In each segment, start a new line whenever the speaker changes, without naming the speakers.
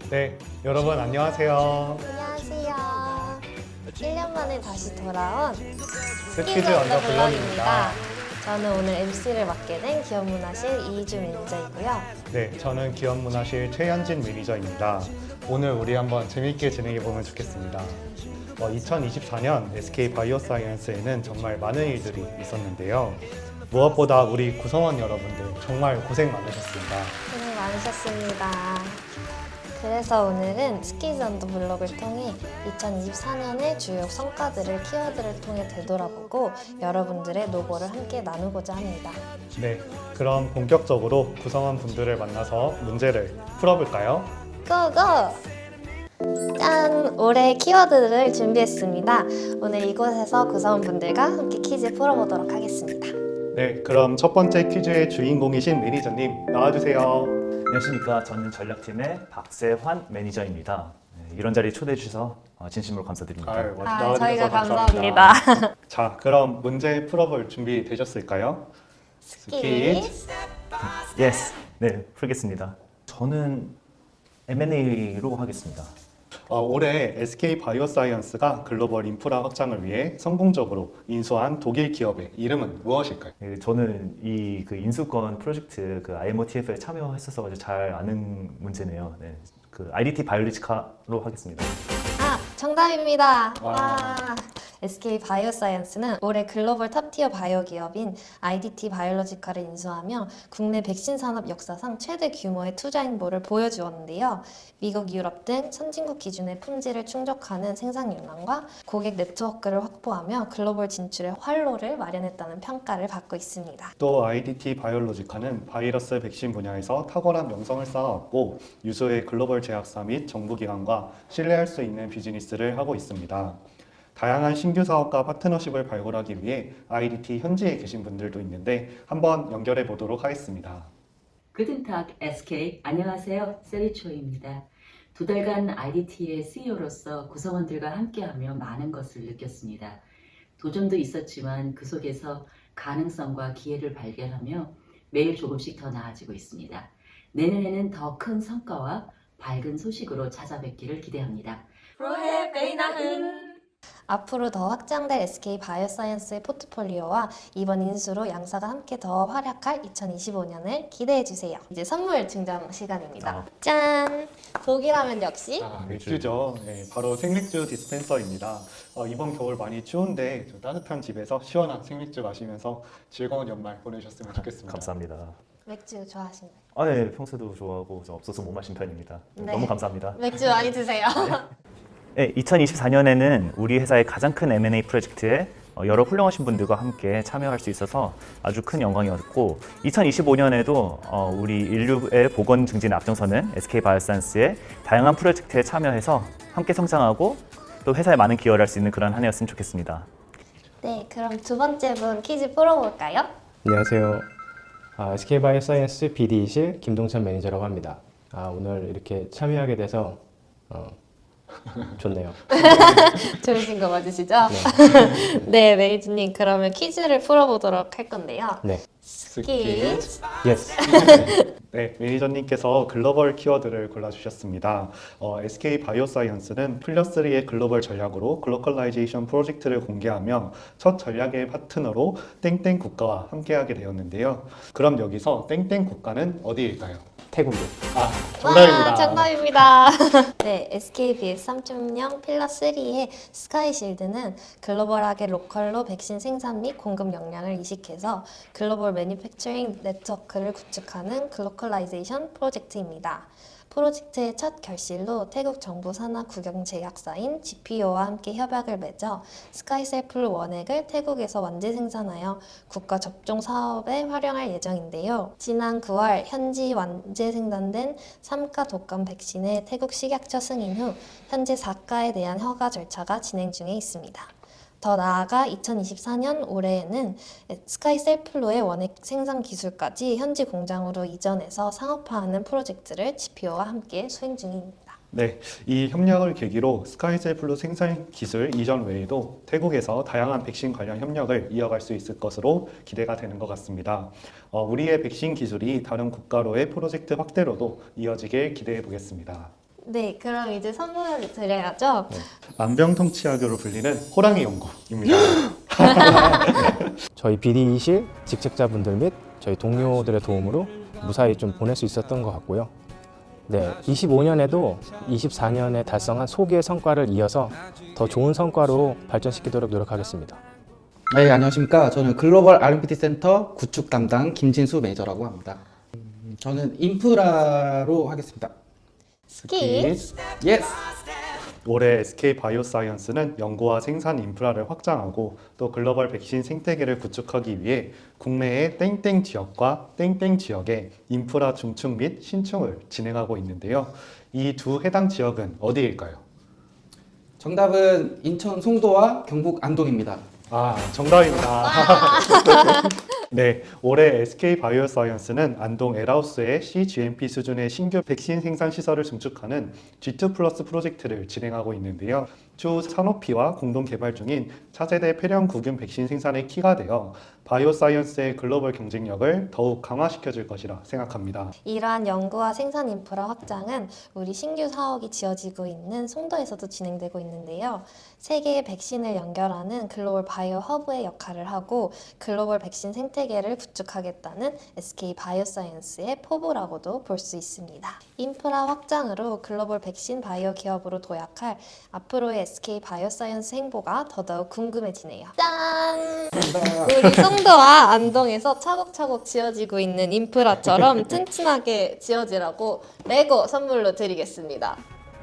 네, 여러분 안녕하세요.
안녕하세요. 1년 만에 다시 돌아온
스키즈 언더 블럭입니다.
저는 오늘 MC를 맡게 된 기업문화실 이희주 매니저이고요.
네, 저는 기업문화실 최현진 매니저입니다. 오늘 우리 한번 재밌게 진행해 보면 좋겠습니다. 2024년 SK 바이오사이언스에는 정말 많은 일들이 있었는데요. 무엇보다 우리 구성원 여러분들 정말 고생 많으셨습니다.
고생 많으셨습니다. 그래서 오늘은 스키즈 언더 블럭을 통해 2024년의 주요 성과들을 키워드를 통해 되돌아보고 여러분들의 노고를 함께 나누고자 합니다.
네, 그럼 본격적으로 구성원 분들을 만나서 문제를 풀어볼까요?
고고! 짠! 올해 키워드를 준비했습니다. 오늘 이곳에서 구성원분들과 함께 퀴즈 풀어보도록 하겠습니다.
네, 그럼 첫 번째 퀴즈의 주인공이신 매니저님 나와주세요.
안녕하십니까. 저는 전략팀의 박세환 매니저입니다. 이런 자리에 초대해 주셔서 진심으로 감사드립니다.
나와주셔서
저희가
감사합니다.
감사합니다.
자, 그럼 문제 풀어볼 준비 되셨을까요?
스키즈
예스. 네, 풀겠습니다. 저는 M&A로 하겠습니다.
올해 SK 바이오사이언스가 글로벌 인프라 확장을 위해 성공적으로 인수한 독일 기업의 이름은 무엇일까요?
저는 이 인수권 프로젝트 IMO-TF에 참여했었어 가지고 잘 아는 문제네요. 네, IDT 바이오로지카로 하겠습니다.
정답입니다.
와.
와. SK 바이오사이언스는 올해 글로벌 탑티어 바이오 기업인 IDT 바이오로지카를 인수하며 국내 백신 산업 역사상 최대 규모의 투자 행보를 보여주었는데요. 미국, 유럽 등 선진국 기준의 품질을 충족하는 생산 역량과 고객 네트워크를 확보하며 글로벌 진출의 활로를 마련했다는 평가를 받고 있습니다.
또 IDT 바이오로지카는 바이러스 백신 분야에서 탁월한 명성을 쌓아왔고 유수의 글로벌 제약사 및 정부기관과 신뢰할 수 있는 비즈니스를 하고 있습니다. 다양한 신규 사업과 파트너십을 발굴하기 위해 IDT 현지에 계신 분들도 있는데 한번 연결해 보도록 하겠습니다.
그든탁 SK 안녕하세요. 세리초입니다. 두 달간 IDT의 CEO로서 구성원들과 함께하며 많은 것을 느꼈습니다. 도전도 있었지만 그 속에서 가능성과 기회를 발견하며 매일 조금씩 더 나아지고 있습니다. 내년에는 더 큰 성과와 밝은 소식으로 찾아뵙기를 기대합니다. 프로헤 베이나흔
앞으로 더 확장될 SK 바이오사이언스의 포트폴리오와 이번 인수로 양사가 함께 더 활약할 2025년을 기대해주세요. 이제 선물 증정 시간입니다. 짠! 독일하면 역시
맥주죠. 네, 바로 생맥주 디스펜서입니다. 이번 겨울 많이 추운데 좀 따뜻한 집에서 시원한 생맥주 마시면서 즐거운 연말 보내셨으면 좋겠습니다.
감사합니다.
맥주 좋아하시나요?
네, 평소에도 좋아하고 없어서 못 마신 편입니다.
네.
너무 감사합니다.
맥주 많이 드세요.
네, 2024년에는 우리 회사의 가장 큰 M&A 프로젝트에 여러 훌륭하신 분들과 함께 참여할 수 있어서 아주 큰 영광이었고 2025년에도 우리 인류의 보건 증진에 앞장서는 SK 바이오사이언스의 다양한 프로젝트에 참여해서 함께 성장하고 또 회사에 많은 기여를 할 수 있는 그런 한 해였으면 좋겠습니다.
네, 그럼 두 번째 분 퀴즈 풀어볼까요?
안녕하세요. SK바이오사이언스 BD실 김동찬 매니저라고 합니다. 오늘 이렇게 참여하게 돼서 좋네요.
좋으신 거 맞으시죠?
네.
네, 매니저님 그러면 퀴즈를 풀어보도록 할 건데요.
네.
스키즈
예스.
네, 매니저님께서 글로벌 키워드를 골라주셨습니다. SK 바이오사이언스는 플러스3의 글로벌 전략으로 글로컬라이제이션 프로젝트를 공개하며 첫 전략의 파트너로 땡땡 국가와 함께하게 되었는데요. 그럼 여기서 땡땡 국가는 어디일까요?
태국이요.
정답입니다.
와, 정답입니다. 네, SKBS 3.0 필러 3의 스카이실드는 글로벌하게 로컬로 백신 생산 및 공급 역량을 이식해서 글로벌 매니팩처링 네트워크를 구축하는 글로컬라이제이션 프로젝트입니다. 프로젝트의 첫 결실로 태국 정부 산하 국영 제약사인 GPO와 함께 협약을 맺어 스카이셀플 원액을 태국에서 완제 생산하여 국가 접종 사업에 활용할 예정인데요. 지난 9월 현지 완제 생산된 3가 독감 백신의 태국 식약처 승인 후 현재 4가에 대한 허가 절차가 진행 중에 있습니다. 더 나아가 2024년 올해에는 스카이셀플로의 원액 생산 기술까지 현지 공장으로 이전해서 상업화하는 프로젝트를 GPO와 함께 수행 중입니다.
네, 이 협력을 계기로 스카이셀플루 생산 기술 이전 외에도 태국에서 다양한 백신 관련 협력을 이어갈 수 있을 것으로 기대가 되는 것 같습니다. 우리의 백신 기술이 다른 국가로의 프로젝트 확대로도 이어지길 기대해 보겠습니다.
네, 그럼 이제 선물을 드려야죠.
만병통치약으로 불리는 호랑이 연고입니다.
저희 BD실 직책자분들 및 저희 동료들의 도움으로 무사히 좀 보낼 수 있었던 것 같고요. 네, 25년에도 24년에 달성한 소기의 성과를 이어서 더 좋은 성과로 발전시키도록 노력하겠습니다.
네, 안녕하십니까. 저는 글로벌 R&D 센터 구축 담당 김진수 매니저라고 합니다. 저는 인프라로 하겠습니다.
스키.
예스!
올해 SK 바이오사이언스는 연구와 생산 인프라를 확장하고 또 글로벌 백신 생태계를 구축하기 위해 국내의 땡땡 지역과 땡땡 지역의 인프라 중축 및 신축을 진행하고 있는데요. 이 두 해당 지역은 어디일까요?
정답은 인천 송도와 경북 안동입니다.
아, 정답입니다. 네, 올해 SK 바이오사이언스는 안동 엘하우스의 CGMP 수준의 신규 백신 생산 시설을 증축하는 G2 플러스 프로젝트를 진행하고 있는데요. 추후 산오피와 공동 개발 중인 차세대 폐렴 구균 백신 생산의 키가 되어 바이오사이언스의 글로벌 경쟁력을 더욱 강화시켜줄 것이라 생각합니다.
이러한 연구와 생산 인프라 확장은 우리 신규 사업이 지어지고 있는 송도에서도 진행되고 있는데요. 세계의 백신을 연결하는 글로벌 바이오 허브의 역할을 하고 글로벌 백신 생태계를 구축하겠다는 SK 바이오사이언스의 포부라고도 볼 수 있습니다. 인프라 확장으로 글로벌 백신 바이오 기업으로 도약할 앞으로의 SK 바이오사이언스 행보가 더더욱 궁금해지네요. 짠! 우리 송도와 안동에서 차곡차곡 지어지고 있는 인프라처럼 튼튼하게 지어지라고 레고 선물로 드리겠습니다.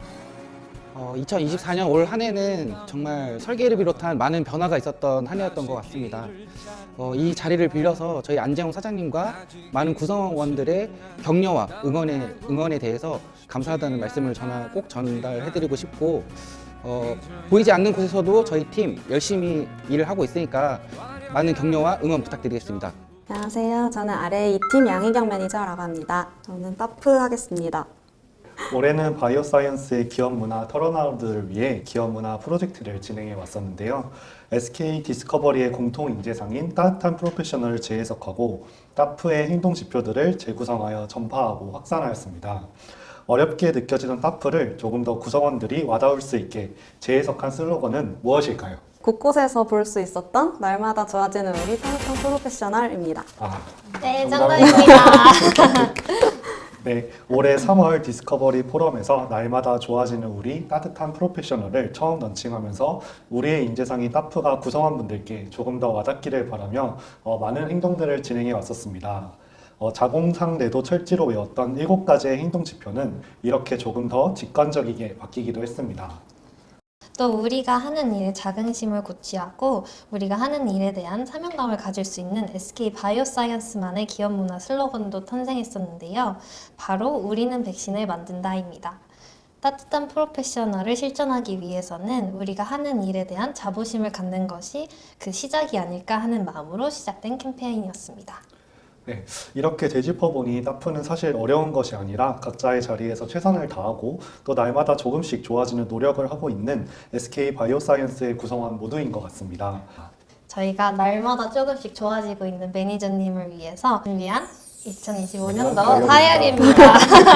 2024년 올 한 해는 정말 설계를 비롯한 많은 변화가 있었던 한 해였던 것 같습니다. 이 자리를 빌려서 저희 안재홍 사장님과 많은 구성원들의 격려와 응원에 대해서 감사하다는 말씀을 꼭 전달해드리고 싶고 보이지 않는 곳에서도 저희 팀 열심히 일을 하고 있으니까 많은 격려와 응원 부탁드리겠습니다.
안녕하세요. 저는 RA 2팀 양희경 매니저라고 합니다. 저는 따프 하겠습니다.
올해는 바이오사이언스의 기업 문화 털어나우드를 위해 기업 문화 프로젝트를 진행해 왔었는데요. SK 디스커버리의 공통 인재상인 따뜻한 프로페셔널을 재해석하고 따프의 행동 지표들을 재구성하여 전파하고 확산하였습니다. 어렵게 느껴지던 따프를 조금 더 구성원들이 와닿을 수 있게 재해석한 슬로건은 무엇일까요?
곳곳에서 볼 수 있었던 날마다 좋아지는 우리 따뜻한 프로페셔널입니다.
네,
정답입니다.
정답입니다.
네, 올해 3월 디스커버리 포럼에서 날마다 좋아지는 우리 따뜻한 프로페셔널을 처음 런칭하면서 우리의 인재상인 따프가 구성원분들께 조금 더 와닿기를 바라며 많은 행동들을 진행해 왔었습니다. 자공상 내도 철지로 외웠던 7가지의 행동 지표는 이렇게 조금 더 직관적이게 바뀌기도 했습니다.
또 우리가 하는 일에 자긍심을 고취하고 우리가 하는 일에 대한 사명감을 가질 수 있는 SK 바이오사이언스만의 기업 문화 슬로건도 탄생했었는데요. 바로 우리는 백신을 만든다입니다. 따뜻한 프로페셔널을 실천하기 위해서는 우리가 하는 일에 대한 자부심을 갖는 것이 그 시작이 아닐까 하는 마음으로 시작된 캠페인이었습니다.
네, 이렇게 되짚어보니 따프는 사실 어려운 것이 아니라 각자의 자리에서 최선을 다하고 또 날마다 조금씩 좋아지는 노력을 하고 있는 SK 바이오사이언스의 구성원 모두인 것 같습니다.
저희가 날마다 조금씩 좋아지고 있는 매니저님을 위해서 준비한 2025년도 다이어리입니다.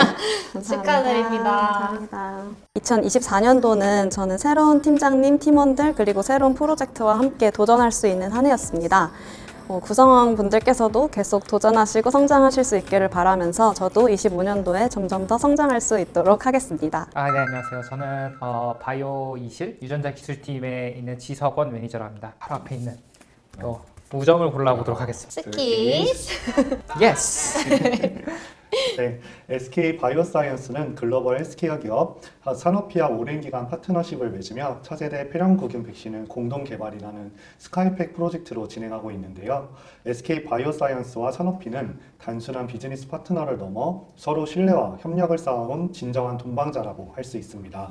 축하드립니다.
감사합니다. 2024년도는 저는 새로운 팀장님, 팀원들 그리고 새로운 프로젝트와 함께 도전할 수 있는 한 해였습니다. 구성원 분들께서도 계속 도전하시고 성장하실 수 있기를 바라면서 저도 25년도에 점점 더 성장할 수 있도록 하겠습니다.
네, 안녕하세요. 저는 바이오 20 유전자 기술팀에 있는 지석원 매니저라고 합니다. 바로 앞에 있는 우정을 골라보도록 하겠습니다.
스키.
예스!
네, SK 바이오사이언스는 글로벌 헬스케어 기업 산오피와 오랜 기간 파트너십을 맺으며 차세대 폐렴구균 백신을 공동 개발이라는 스카이팩 프로젝트로 진행하고 있는데요. SK 바이오사이언스와 산오피는 단순한 비즈니스 파트너를 넘어 서로 신뢰와 협력을 쌓아온 진정한 동반자라고 할 수 있습니다.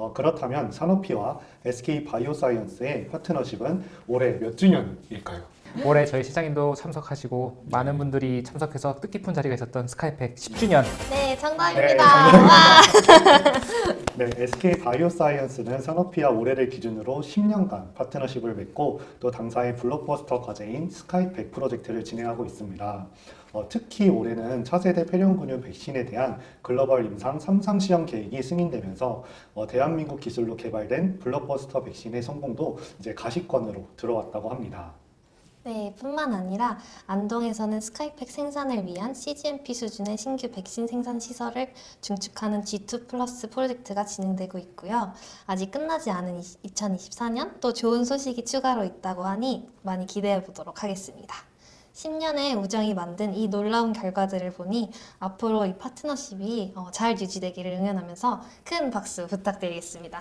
그렇다면 산오피와 SK 바이오사이언스의 파트너십은 올해 몇 주년일까요?
올해 저희 시장님도 참석하시고 많은 분들이 참석해서 뜻깊은 자리가 있었던 스카이팩 10주년.
네, 정답입니다.
네,
와.
네, SK 바이오사이언스는 산업피와 올해를 기준으로 10년간 파트너십을 맺고 또 당사의 블록버스터 과제인 스카이팩 프로젝트를 진행하고 있습니다. 특히 올해는 차세대 폐렴근육 백신에 대한 글로벌 임상 3상 시험 계획이 승인되면서 대한민국 기술로 개발된 블록버스터 백신의 성공도 이제 가시권으로 들어왔다고 합니다.
네, 뿐만 아니라 안동에서는 스카이팩 생산을 위한 CGMP 수준의 신규 백신 생산 시설을 증축하는 G2 플러스 프로젝트가 진행되고 있고요. 아직 끝나지 않은 2024년 또 좋은 소식이 추가로 있다고 하니 많이 기대해 보도록 하겠습니다. 10년의 우정이 만든 이 놀라운 결과들을 보니 앞으로 이 파트너십이 잘 유지되기를 응원하면서 큰 박수 부탁드리겠습니다.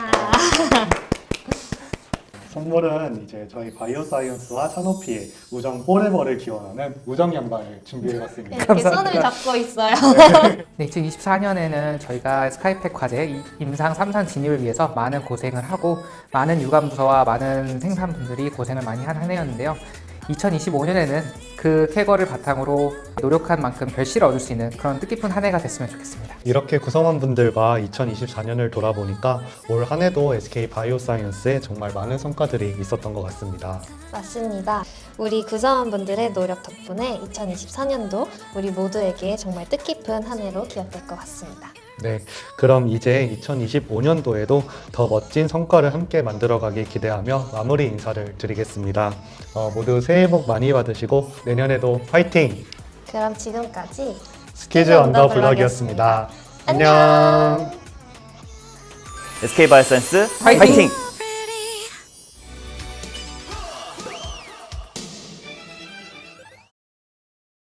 선물은 이제 저희 바이오사이언스와 산업피의 우정 포레버를 기원하는 우정 양반을 준비해봤습니다.
네, 이렇게 손을 잡고 있어요.
네, 2024년에는 저희가 스카이팩 과제 임상 3상 진입을 위해서 많은 고생을 하고 많은 유관부서와 많은 생산분들이 고생을 많이 한 한 해였는데요. 2025년에는 그 쾌거를 바탕으로 노력한 만큼 결실을 얻을 수 있는 그런 뜻깊은 한 해가 됐으면 좋겠습니다.
이렇게 구성원분들과 2024년을 돌아보니까 올 한 해도 SK 바이오사이언스에 정말 많은 성과들이 있었던 것 같습니다.
맞습니다. 우리 구성원분들의 노력 덕분에 2024년도 우리 모두에게 정말 뜻깊은 한 해로 기억될 것 같습니다.
네, 그럼 이제 2025년도에도 더 멋진 성과를 함께 만들어가길 기대하며 마무리 인사를 드리겠습니다. 모두 새해 복 많이 받으시고 내년에도 파이팅!
그럼 지금까지
스키즈 언더 블럭이었습니다. 안녕!
SK 바이오사이언스
화이팅!
화이팅!